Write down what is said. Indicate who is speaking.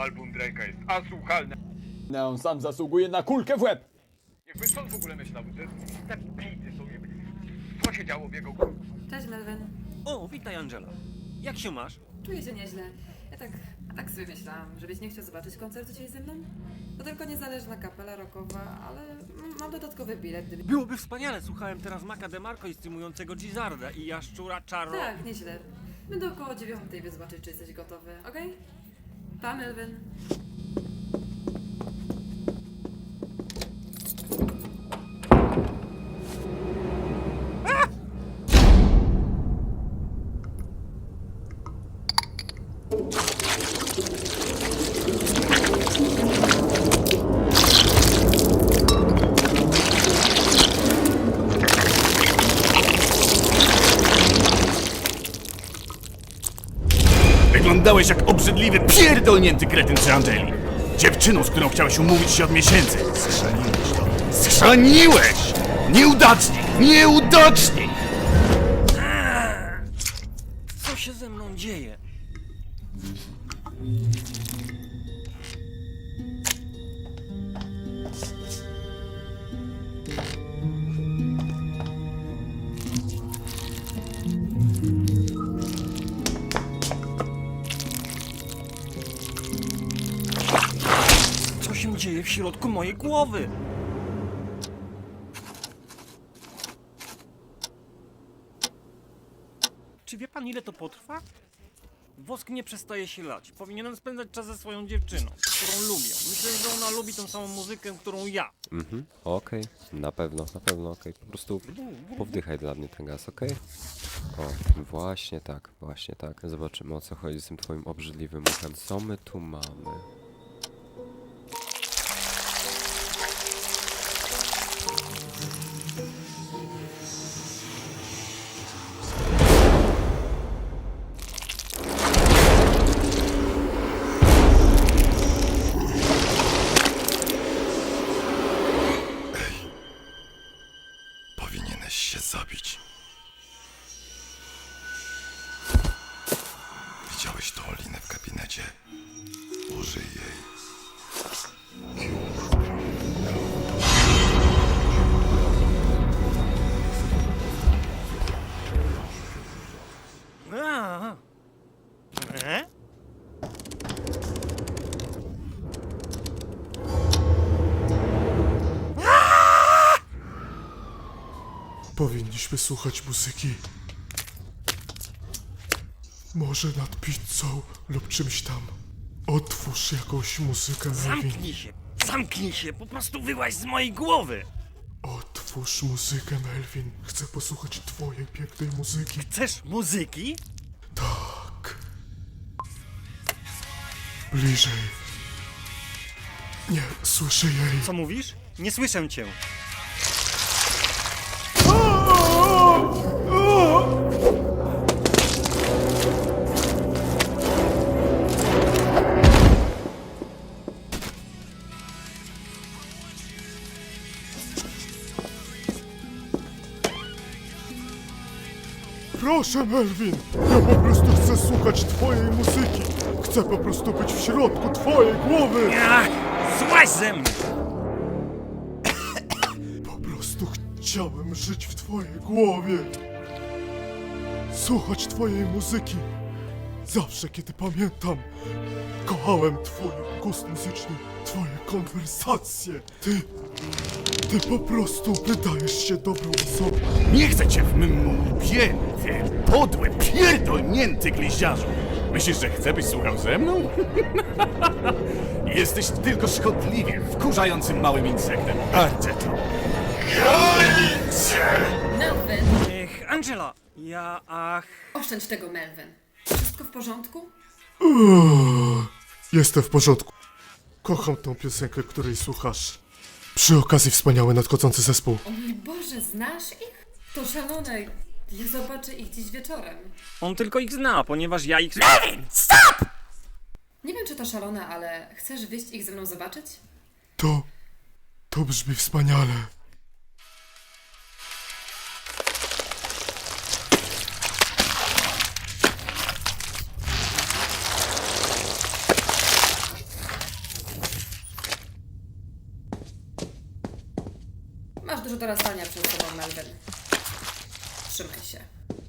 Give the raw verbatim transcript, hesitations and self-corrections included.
Speaker 1: album Drake'a jest asłuchalne.
Speaker 2: No, on sam zasługuje na kulkę w łeb!
Speaker 1: Jakby co on w ogóle myślał, że te bity są jakby... Co się działo w jego...
Speaker 3: Cześć Melvin.
Speaker 4: O, witaj Angela. Jak się masz?
Speaker 3: Czuję się nieźle. Ja tak, tak sobie myślałam, żebyś nie chciał zobaczyć koncertu dzisiaj ze mną? To tylko niezależna kapela rockowa, ale mm, mam dodatkowy bilet, gdyby...
Speaker 4: Byłoby wspaniale, słuchałem teraz Maca DeMarco i streamującego Gizzarda i Jaszczura Czaro.
Speaker 3: Tak, nieźle. Będę około dziewiątej, by zobaczyć, czy jesteś gotowy, okej? Pa, Melvin.
Speaker 5: Wyglądałeś jak obrzydliwy, pierdolnięty kretyn przy Angeli. Dziewczyną, z którą chciałeś umówić się od miesięcy. Schrzaniłeś to. Schrzaniłeś! Nieudacznik! Nieudacznik!
Speaker 4: Co się ze mną dzieje? Co się dzieje w środku mojej głowy? Czy wie pan, ile to potrwa? Wosk nie przestaje się lać. Powinienem spędzać czas ze swoją dziewczyną, którą lubię. Myślę, że ona lubi tą samą muzykę, którą ja.
Speaker 6: Mhm, okej, na pewno, na pewno, okej. Po prostu powdychaj dla mnie ten gaz, okej? O, właśnie tak, właśnie tak. Zobaczymy, o co chodzi z tym twoim obrzydliwym uchem. Co my tu mamy?
Speaker 5: Powinieneś się zabić. Widziałeś tą linę w gabinecie? Użyj jej.
Speaker 4: A. E?
Speaker 7: Powinniśmy słuchać muzyki. Może nad pizzą lub czymś tam. Otwórz jakąś muzykę, Melvin.
Speaker 4: Zamknij się! Zamknij się! Po prostu wyłaź z mojej głowy!
Speaker 7: Otwórz muzykę, Melvin. Chcę posłuchać twojej pięknej muzyki.
Speaker 4: Chcesz muzyki?
Speaker 7: Tak. Bliżej. Nie słyszę jej.
Speaker 4: Co mówisz? Nie słyszę cię.
Speaker 7: Proszę, Melvin. Ja po prostu chcę słuchać twojej muzyki. Chcę po prostu być w środku twojej głowy.
Speaker 4: Ach, złaź ze mnie!
Speaker 7: Po prostu chciałem żyć w twojej głowie. Słuchać twojej muzyki. Zawsze, kiedy pamiętam, kochałem twój gust muzyczny, twoje konwersacje. Ty, ty po prostu wydajesz się dobrą osobą.
Speaker 5: Nie chcę cię w mym łbie, ty podły, pierdolnięty gliździarzu. Myślisz, że chcę, byś słuchał ze mną? Jesteś tylko szkodliwym, wkurzającym małym insektem. Bardzo to.
Speaker 3: Melvin!
Speaker 4: Ech, Angela! Ja, ach...
Speaker 3: Oszczędź tego, Melvin. Wszystko w porządku?
Speaker 7: Uuu, jestem w porządku. Kocham tą piosenkę, której słuchasz. Przy okazji wspaniały nadchodzący zespół.
Speaker 3: O mój Boże, znasz ich? To szalone. Ja zobaczę ich dziś wieczorem.
Speaker 4: On tylko ich zna, ponieważ ja ich...
Speaker 3: Nie wiem, czy to szalone, ale chcesz wyjść ich ze mną zobaczyć?
Speaker 7: To... to brzmi wspaniale.
Speaker 3: Masz dużo dorastania przed sobą, Melvin. Trzymaj się.